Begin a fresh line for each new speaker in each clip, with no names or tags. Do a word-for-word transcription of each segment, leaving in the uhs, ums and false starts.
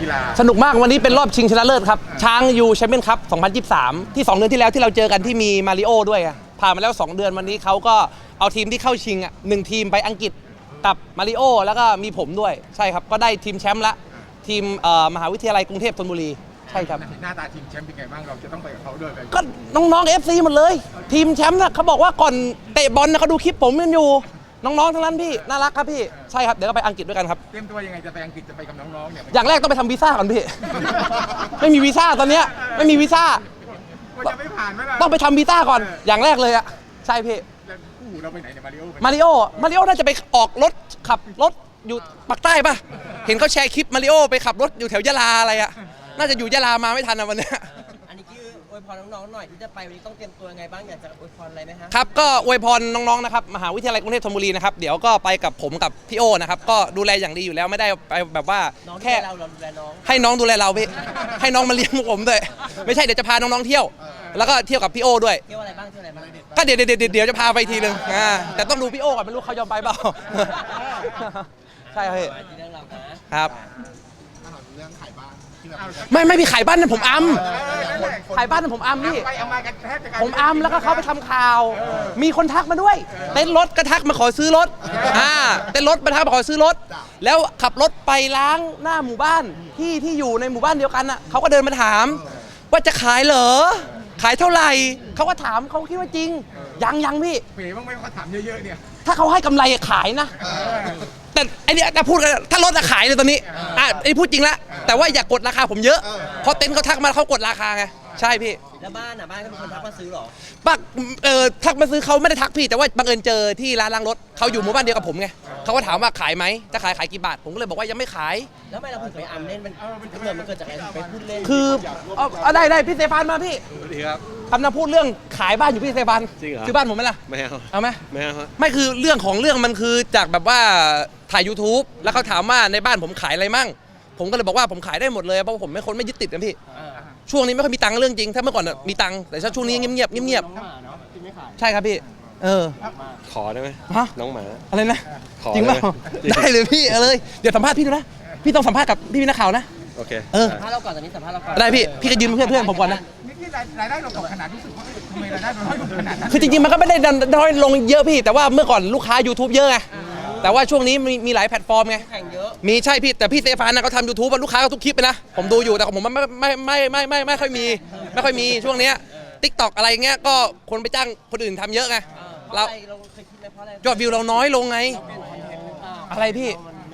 กีฬา
สนุกมากวันนี้เป็นรอบชิงชนะเลิศครับช้างยูแชมเปี้ยนคัพสองพันยี่สิบสามที่สองเดือนที่แล้วที่เราเจอกันที่มีมาริโอด้วยผ่านมาแล้วสองเดือนวันนี้เขาก็เอาทีมที่เข้าชิงอ่ะหนึ่งทีมไปอังกฤษกับมาริโอแล้วก็มีผมด้วยใช่ครับก็ได้ทีมแชมป์ละทีมมหาวิทยาลัยกรุงเทพธนบุรีใช่ครับ
หน้าตาทีมแชมป์เป็นไงบ้างเราจะต้องไปกับเขาด้วย
ก็น้องๆ เอฟ ซี หมดเลยทีมแชมป์นะเขาบอกว่าก่อนเตะบอลนะเขาดูคลิปผมกันอยู่น้องๆทั้งนั้นพี่น่ารักครับพี่ใช่ครับเดี๋ยวก็ไปอังกฤษด้วยกันครับ
เตรียมตัวยังไงจะไปอังกฤษจะไปกับน้องๆเนี่ย
อย่างแรกต้องไปทำวีซ่าก่อนพี่ ไม่มีวีซ่าตอนเนี้ยไม่มีวีซ่า
จะไม่ผ่านไหมล่ะ
ต้องไปทำวีซ่าก่อนอย่างแรกเลยอะใช่พี่
เราไปไหนเนี่ยมาริโอ
มาริโอมาริโอน่าจะไปออกรถขับรถอยู่ปากใต้ป่ะเห็นเขาแชร์คลิปมาริโอไปขับรถอยู่แถวยะลาอะไรอะน่าจะอยู่ยะลามาไม่ทันนะวันนี้
อันนี้คืออวยพรน้องๆหน่อยที่จะไปวันนี้ต้องเตรียมตัวยังไงบ้างอยากจะอวยพรอะไรไหมฮะ
ครับก็อวยพรน้องๆนะครับมหาวิทยาลัยกรุงเทพธนบุรีนะครับเดี๋ยวก็ไปกับผมกับพี่โอนะครับก็ดูแลอย่างดีอยู่แล้วไม่ได้ไปแบบว่าแค่
เราเราดูแลน้อง
ให้น้องดูแลเราพี่ให้น้องมาเลี้ยงผมด้วยไม่ใช่เดี๋ยวจะพาน้องๆเที่ยวแล้วก็เที่ยวกับพี่โอด้วย
เที่ยวอะไรบ้างเที่ยวอะไรบ้าง
ก็เดี๋ยวเดี๋ยวเดี๋ยวจะพาไปทีนึงอ่าแต่ต้องดูพี่โอก่อนไม่รู้เขายอมไปเปล่าใช่ครับครับ
เรื่องขายบ้าน
ไม่ไม่พี่ขายบ้านนั่นผมอัมขายบ้านนั่นผมอัมพี่ผมอัมแล้วก็เขาไปทำข่าวมีคนทักมาด้วยเต้นรถก็ทักมาขอซื้อรถอ่าเต้นรถมาทักมาขอซื้อรถแล้วขับรถไปล้างหน้าหมู่บ้านที่ที่อยู่ในหมู่บ้านเดียวกันน่ะเขาก็เดินมาถามว่าจะขายเหรอขายเท่าไหร่เขาก็ถามเขาคิดว่าจริงยังยังพี่
เป๋บ้างไหมเขาถามเยอะๆเนี่ย
ถ้าเขาให้กำไรขายนะแต่ไอ้นี่ถ้าพูดกันถ้ารถขายเลยตอนนี้อ่ะไอ้พูดจริงละแต่ว่าอย่ากดราคาผมเยอะเพราะเต็นท์เขาทักมาเขากดราคาไงใช่พี่
แล้วบ้านอ่ะบ้านก็มีคนทักมาซื้อหรอ
ปักเออทักมาซื้อเขาไม่ได้ทักพี่แต่ว่าบังเอิญเจอที่ร้านล้างรถเขาอยู่หมู่บ้านเดียวกับผมไงเขาก็ถามว่าขายไหมจะขายขายกี่บาทผมก็เลยบอกว่ายังไม่ขาย
แล้วทำไมเราถึงไปอัมเล่นมันเกิดมันเกิดจากอะไรไปพูดเล่น
คือเอาได้ได้พี่เซฟานมาพี่
สวัสดีครับ
คำนำพูดเรื่องขายบ้านอยู่พี่เซฟาน
จริงเหรอ
ซื้อบ้านผมไหมล่ะ
ไม่เอา
เอาไหม
ไม่เอา
ไม่คือเรื่องของเรื่องมันคือจากแบบว่าถ่าย ยูทูบ แล้วเขาถามว่าในบ้านผมขายอะไรมั่งผมก็เลยบอกว่าผมขายได้หมดเลยเพราะผมไม่คนไม่ยึดติดกันพี่ช่วงนี้ไม่ค่อยมีตังค์เรื่องจริงถ้าเมื่อก่อนมีตังค์แต่ช่วงนี้เงียบเงียบเงียบใช่ครับพี่เออ
ขอได้ไหม
ฮะ
น้องหมา
อะไรนะจริงเปล่าได้เลยพี่เอาเลยเดี๋ยวสัมภาษณ์พี่ดูนะพี่ต้องสัมภาษณ์กับพี่นักข่าวนะ
โอเค
เออ
สัมภาษณ์เราก่อนตอนนี้สัมภาษณ์เราก่อน
ได้พี่พี่ก็ยืมเพื่อนเพื่อนผมก่อนนะ
นี่รายได้เราตกขนาดรู้สึกว่าทำไมรายได้เราน้อยลงขนาดนั้น
คือจริงๆมันก็ไม่ได้น้อยลงเยอะพี่แต่ว่าเมื่อก่อนลูกค้า ยูทูบ เยอะไงแต่ว่าช่วงนี้มีมีหลายแพลตฟอร์มไงมีใช่พี่แต่พี่เซฟานนะเขาทำยูทูบลูกค้าก็ทุกคลิปไปนะผมดูอยู่แต่ของผมไม่ไม่ไม่ไม่ไม่ไม่ค่อยมีไม่ค่อยมีช่วงนี้ติ๊กต็อกอะไรเงี้ยก็คนไปจ้างคนอื่นทำเยอะไงเรายอดวิวเราน้อยลงไงอะไรพี่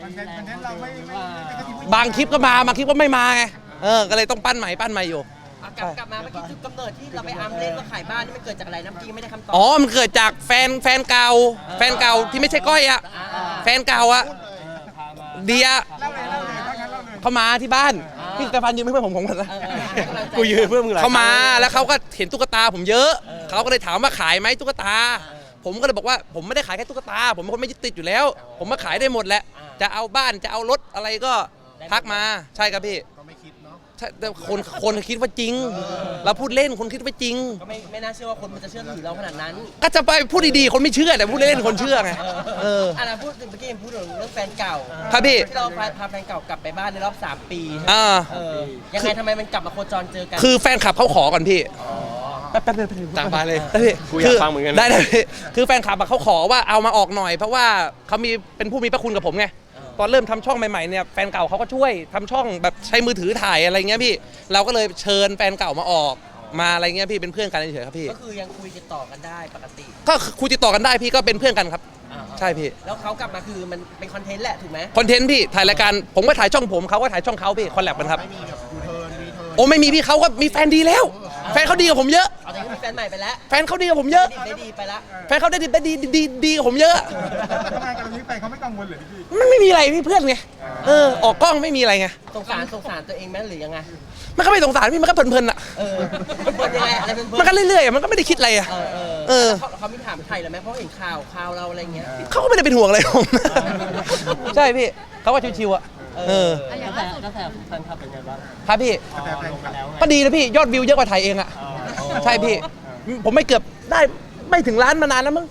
บางคลิปก็มาบางคลิปก็ไม่มาไงเออก็เลยต้องปั้นใหม่ปั้นใหม่อยู่
กลับกลับมาเมื่อกี้จุดกำเนิดที่เราไปอัมเล่นว่าขายบ้านนี่มันเกิดจากอะไรน้ำจริงไม่ได้คำตอบ
อ๋อมันเกิดจากแฟนแฟนเก่าแฟนเก่าที่ไม่ใช่ก้อยอ่ะแฟนเก่าอ่ะเดียเขามาที่บ้านพี่สเตฟานยืมเพื่อนผมผมกันนะ
กูยืมเพื่อนมึง
เขามาแล้วเขาก็เห็นตุ๊กตาผมเยอะเขาก็เลยถามว่าขายไหมตุ๊กตาผมก็เลยบอกว่าผมไม่ได้ขายแค่ตุ๊กตาผมเป็นคนไม่ยึดติดอยู่แล้วผมมาขายได้หมดแหละจะเอาบ้านจะเอารถอะไรก็ทักมาใช่ครับพี่แต่คนคนคิดว่าจริงเราพูดเล่นคนคิดว่าจริง
ก็ไม่ไม่น่าเชื่อว่าคนมันจะเชื่อถือเราขนาดนั้น
ก็จะไปพูดดีๆคนไม่เชื่อแต่พูดเล่นคนเชื่อไง
เอออ่ะนะพูดเมื่อกี้พูดถึงเรื่องแฟนเก่า
ครับพี่
ที่เราพาแฟนเก่ากลับไปบ้านในรอบสามปี
อ่า
เออยังไงทำไมมันกลับมาโคจรเจอกัน
คือแฟนคลับเขาขอก่อนพี่แป๊บแป๊บ
ตามไปเลย
กูอยากฟังเหมือนกันได้เลยคือแฟนคลับเขาขอว่าเอามาออกหน่อยเพราะว่าเขามีเป็นผู้มีพระคุณกับผมไงตอนเริ่มทำช่องใหม่ๆเนี่ยแฟนเก่าเขาก็ช่วยทำช่องแบบใช้มือถือถ่ายอะไรเงี้ยพี่เราก็เลยเชิญแฟนเก่ามาออกมาอะไรเงี้ยพี่เป็นเพื่อนกันเฉยๆครับพี่
ก็คือยังคุยติดต่อกันได้ปกติ
ก็คุยติดต่อกันได้พี่ก็เป็นเพื่อนกันครับใช่พี่
แล้วเขากลับมาคือมันเป็นคอนเทนต์แหละถูกไหม
คอนเทนต์พี่ถ่ายรายการผมก็ถ่ายช่องผมเขาก็ถ่ายช่องเขาพี่คอลแลบกันครับโอ้ไม่มีพี่เขาก็มีแฟนดีแล้วแฟนเขาดีกับผมเยอะ
เอาแต่มีแฟนใหม่ไปแล้ว
แฟนเขาดีกับผมเยอะ
ได้ดีไปแล้ว
แฟนเขาได้ดีได้ดีดีดีกับผมเยอะ
ทำไมกันนี้แฟนเขาไม่กังวลเลยพี่
มันไม่มีอะไรพี่เพื่อนไงเออออกกล้องไม่มีอะไรไง
สงสารสงสารตัวเองไหมหรือยังไง
มันก็ไม่สงสารพี่มันก็เพลินๆอ่ะ
เออเพลินยังไงอะไรเพลิน
มันก็เรื่อยๆมันก็ไม่ได้คิดอะไรอ่ะ
เออเขาไม่ถามไทยหรอไหมเพราะเห็นข่าวข่าวเราอะไรเงี้ย
เขาก็ไม่ได้เป็นห่วงอะไรผมใช่พี่เขาว่าชิวๆอ่ะเออ
แล้วแต่แล้วแต่แฟนคลับเป็นไงบ้าง
ครับพี่ก็ดีนะพี่ยอดวิวเยอะกว่าไทยเองอ่ะใช่พี่ผมไม่เกือบได้ไม่ถึงล้านมานานแล้วมั้ง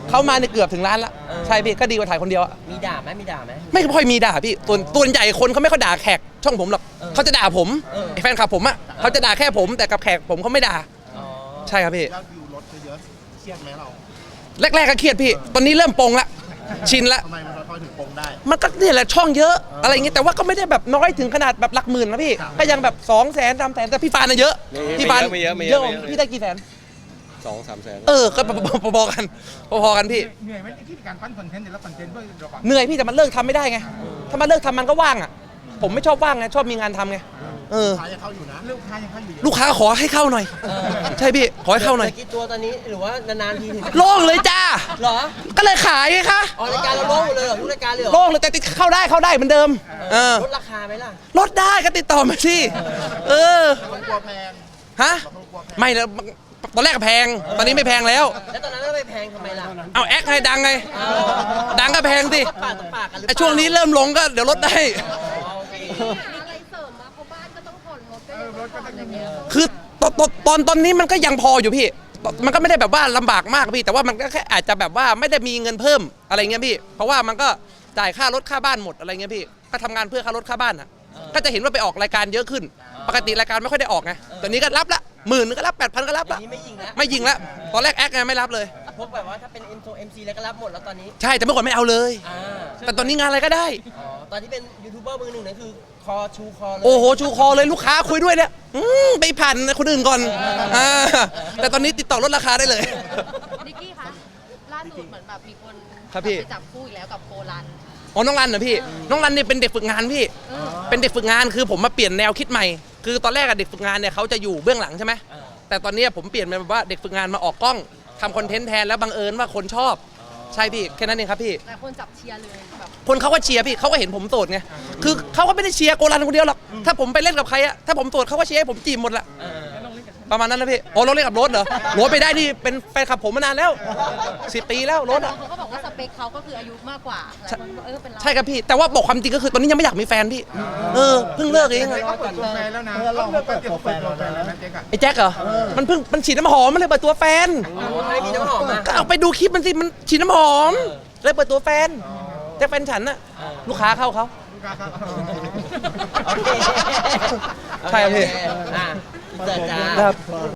เขามาในยเกือบถึงล้านละใช่พี่ก็ดีกว่าถ่ายคนเดียวอะ
มีด่าไหมมีด่าไหม
ไม่ค่อยมีด่าพี่ตัวตัวใหญ่คนเขาไม่ค่อยด่าแขกช่องผมหรอกเขาจะด่าผม
เออ
ไอ้แฟนคลับผมอะเขาจะด่าแค่ผมแต่กับแขกผมเขาไม่ด่า
อ๋อ
ใช่ครับพี่
ยอดวิวลดเยอะๆเครียดไหมเรา
แรกๆก็เครียดพี่ ตอนนี้เริ่มปลงละ ชินละ
ทำไมมันค่อยๆถึงปงได้
มันก็เนี่ยแหละช่องเยอะ อะไรอย่างเงี้ย แต่ว่าก็ไม่ได้แบบน้อยถึงขนาดแบบหลักหมื่นนะพี่ ก็ยังแบบสองแสนสามแสนแต่พี่ฟานน่ะเยอะ พี่ฟาน
ไม่เยอะไม่เย
เย
อะ
อะ
ไม่เยอะ
พี่ได้กี่แสน
สองสามแสน
เออ ก็พอๆกัน พอๆกันพี่
เหนื่อยไหมที่การปั้นคอนเทนต์แต่ละคอนเทนต์ด้วยเราก่อน
เหนื่อยพี่แต่มันเลิกทำไม่ได้ไง ถ้ามันเลิกทำมันก็ว่างอ่ะ ผมไม่ชอบว่างไง ชอบมีงานทำไง เออ
ท้ายจะเข้าอยู่นะ
ลูกค้ายังเข้าอยู่
ลูกค้าขอให้เข้าหน่อย ใช่พี่ ขอให้เข้าหน่อย
หลืกี่ตัวตอนนี้หรือว่านานๆทีถึงจะ
โล่งเลยจ้า
เหรอ
ก็เลยขายไงคะ
ออกรายการเราโล่งหมดเลยเหรอทุกรายการเลยเหรอ
โล่งเลยแต่ติดเข้าได้เข้าได้เหมือนเดิม เออ
ลดราคาไหมล่ะ
ลดได้ก็ติดต่อมาสิ เออ
คนกลัวแพง
ฮะ
คนกลัวแพง
ไม่แล้วตอนแรกก็แพง ตอนนี้ไม่แพงแล้ว
แล้วตอนนั้นเราไปแพงทำไมล่ะ
เอาแอคไงดังไง ดังก็แพงสิ
ก็ปากต่อปากกันหรือเป
ไอ
ล่า
ช่วงนี้เริ่มลงก็เดี๋ยวลดได้
อ๋อโอเค
อะไรเสริมมาเพราะบ้านก็ต้องผ่อนรถก็ยังต้องผ่อนอะไรเงี้ย
คือตอนตอนตอนตอนนี้มันก็ยังพออยู่พี่ มันก็ไม่ได้แบบว่าลำบากมากพี่ แต่ว่ามันก็แค่อาจจะแบบว่าไม่ได้มีเงินเพิ่มอะไรเงี้ยพี่ เพราะว่ามันก็จ่ายค่ารถค่าบ้านหมดอะไรเงี้ยพี่ ก็ทำงานเพื่อค่ารถค่าบ้านอ่ะ ก็จะเห็นว่าไปออกรายการเยอะขึ้น ปกติรายการไม่ค่อยได้ออกไงตอนนี้ก็รับละหมื่นนึงก็รับแปดพันก็รับ
อั
ละ
นนี้ไม่ยิงแล้ว
ไม่ยิงละตอนแรกแอคไงไม่รับเลย
พวกแบบว่าถ้าเป็น เอ็ม เอ็ม ซี แล้วก็รับหมดแล้วตอนนี้
ใช่แต่เมื่อก่อนไม่เอาเลย
อ่า
แต่ตอนนี้งานอะไรก็ได้
อ๋อตอนที่เป็นยูทูบเบอร์มือหนึ่งนั่นคือคอชูคอเลย
โอ้โหชูคอเลยลูกค้าคุยด้วยเนี่ยอืมไปผ่านคนอื่นก่อนอ่าแต่ตอนนี้ติดต่อลดราคาได้เลย
นิกกี้คะล่าสุดเหมือนแบบมีคน
ครับพี่
ไปจับคู่อีกแล้วกับโกลัน
อ๋อน้องรันเหรอพี่ น้องรันเนี่ยเป็นเด็กฝึกงานพี่ เป็นเด็กฝึกงานคือผมมาเปลี่ยนแนวคิดใหม่ คือตอนแรกอะเด็กฝึกงานเนี่ยเขาจะอยู่เบื้องหลังใช่ไหม แต่ตอนนี้ผมเปลี่ยนเป็นแบบว่าเด็กฝึกงานมาออกกล้องทำคอนเทนต์แทนแล้วบังเอิญว่าคนชอบ ใช่พี่แค่นั้นเองครับพี่
แต่คนจับเชียร์เลยแบบ
คนเขาก็เชียร์พี่เขาก็เห็นผมโสดไง คือเขาก็ไม่ได้เชียร์โกลันคนเดียวหรอก ถ้าผมไปเล่นกับใครอะถ้าผมโสดเขาก็เชียร์ให้ผมจีบหมดละ
เออ
ประมาณนั้นนะพี่โอ้รถเล่นกับรถเหรอรถไปได้นี่เป็นแฟนคลับผมมานานแล้วสิบปีแล้วรถ
แต่
อะ
เขาก็บอกว่าสเปคเขาก็คืออายุมากกว่าหลายคนบอกเออเป็นเรา
ใช่ครับพี่ แต่ว่าบอกความจริงก็คือตอนนี้ยังไม่อยากมีแฟนพี่ เออเพิ่งเลิกเอง
เจ๊ก็เปิดตัวแฟนแล้วนะเราเปิดตัวแฟนแล้วนะเจ๊ก็
ไอ้แจ็คเหรอ มันเพิ่งมันฉีดน้ำหอมมันเลยเปิดตัวแฟน
ไม่มีน้ำหอมอ่ะ
ก็เอาไปดูคลิปมันสิ มันฉีดน้ำหอม เลยเปิดตัวแฟนแจ็คแฟนฉันน่ะ ลูกค้าเข้าเขา
ลูกค้าครับ
โอเค
ใช่ครับพี่
อ่ะเสิร์ฟจ้า
ครับ